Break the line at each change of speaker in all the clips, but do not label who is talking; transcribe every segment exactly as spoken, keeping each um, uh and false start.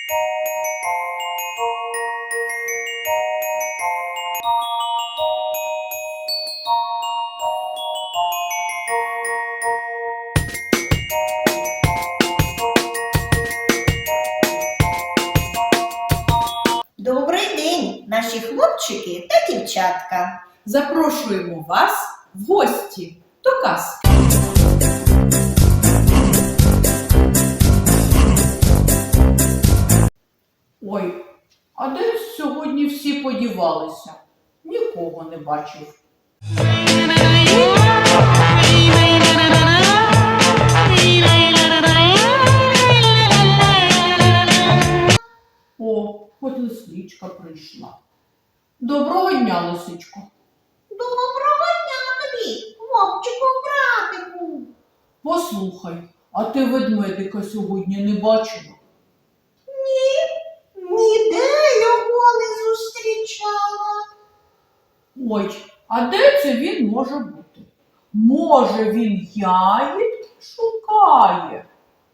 Добрий день, наші хлопчики та дівчатка.
Запрошуємо вас в гості до казки. Ой, а де сьогодні всі подівалися? Нікого не бачив. О, от лисичка прийшла. Доброго дня, лисичко.
Доброго дня тобі, хлопчику-братику.
Послухай, а ти ведмедика сьогодні не бачила?
Ні, ніде його не зустрічала.
Ой, а де це він може бути? Може, він ягідки шукає?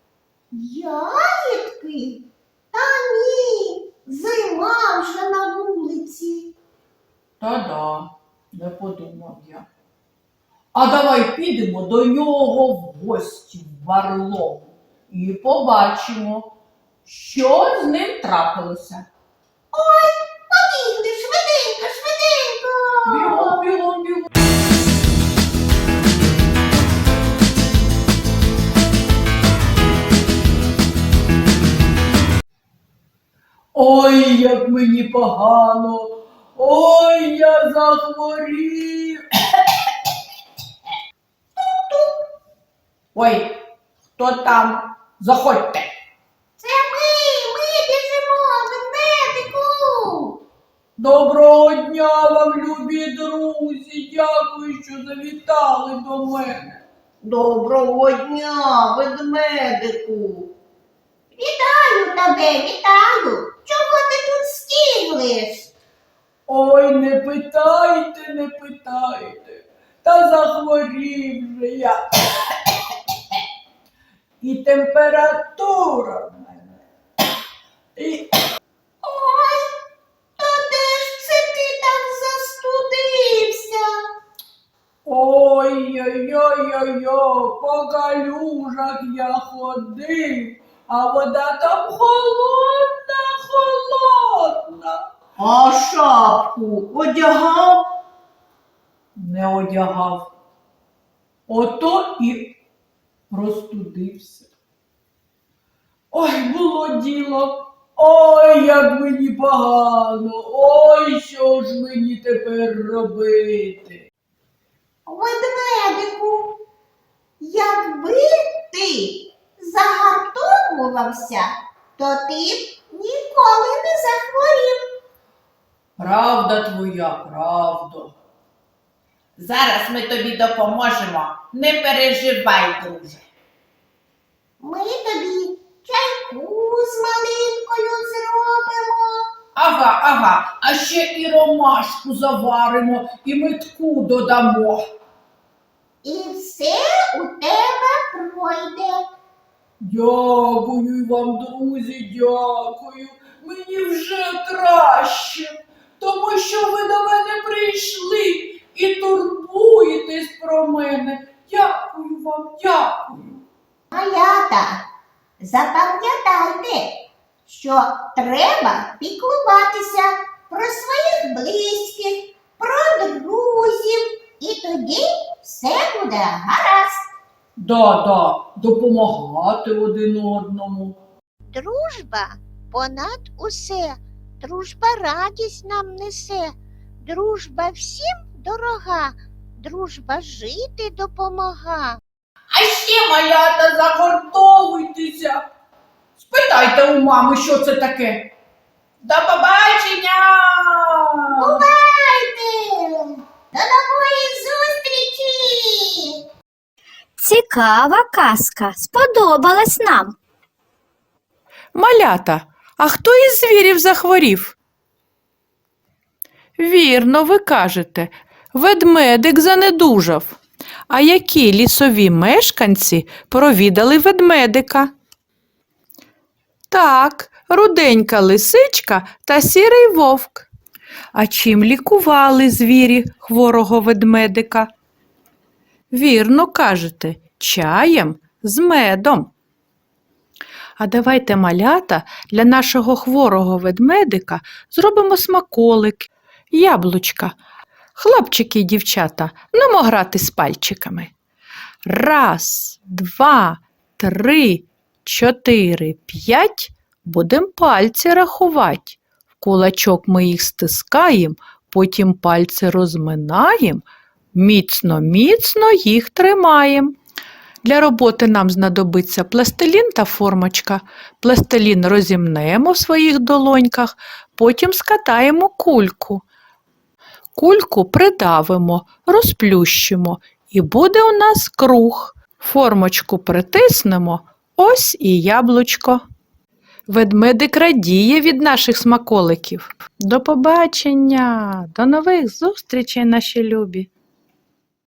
Ягідки? Та ні, зима вже на вулиці.
Та-да, не подумав я. А давай підемо до нього в гості в барлогу і побачимо, що з ним трапилося.
Ой, побігли, швиденько, швиденько.
Бігом, бігом, бігом. Ой, як мені погано. Ой, я захворів. Ой, хто там? Заходьте.
Це ми, ми біжимо, ведмедику.
Доброго дня вам, любі друзі. Дякую, що завітали до мене.
Доброго дня, ведмедику. Вітаю тебе, вітаю. Чого ти тут стіглиш?
Ой, не питайте, не питайте. Та захворів же я. І температура в мене. І...
Ой, то де ж це ти так застудився?
Ой-ой-ой-ой-ой, по калюжах я ходив, а вода там холодна, холодна.
А шапку одягав?
Не одягав. Ото і простудився. Ой, було діло. Ой, як мені погано. Ой, що ж мені тепер робити?
Ведмедику, якби ти загартовувався, то ти б ніколи не захворів.
Правда твоя, правда.
Зараз ми тобі допоможемо. Не переживай, друже.
Ми тобі чайку з малинкою зробимо.
Ага, ага, а ще і ромашку заваримо, і метку додамо.
І все у тебе пройде.
Дякую вам, друзі, дякую. Мені вже краще, тому що ви до мене прийшли і турбуєтесь про мене. Дякую вам, дякую.
Малята, запам'ятайте, що треба піклуватися про своїх близьких, про друзів, і тоді все буде гаразд.
Да, да, допомагати один одному.
Дружба понад усе, дружба радість нам несе, дружба всім дорога, дружба жити допомога.
А ще, малята, загортовуйтеся. Спитайте у мами, що це таке.
До побачення!
Бувайте! До нової зустрічі!
Цікава казка, сподобалась нам.
Малята, а хто із звірів захворів? Вірно, ви кажете, ведмедик занедужав. А які лісові мешканці провідали ведмедика? Так, руденька лисичка та сірий вовк. А чим лікували звірі хворого ведмедика? Вірно кажете, чаєм з медом. А давайте, малята, для нашого хворого ведмедика зробимо смаколик, яблучка. Хлопчики і дівчата, нумо грати з пальчиками. Раз, два, три, чотири, п'ять. Будем пальці рахувати. В кулачок ми їх стискаємо, потім пальці розминаємо, міцно-міцно їх тримаємо. Для роботи нам знадобиться пластилін та формочка. Пластилін розімнемо в своїх долоньках, потім скатаємо кульку. Кульку придавимо, розплющимо і буде у нас круг. Формочку притиснемо, ось і яблучко. Ведмедик радіє від наших смаколиків. До побачення, до нових зустрічей, наші любі!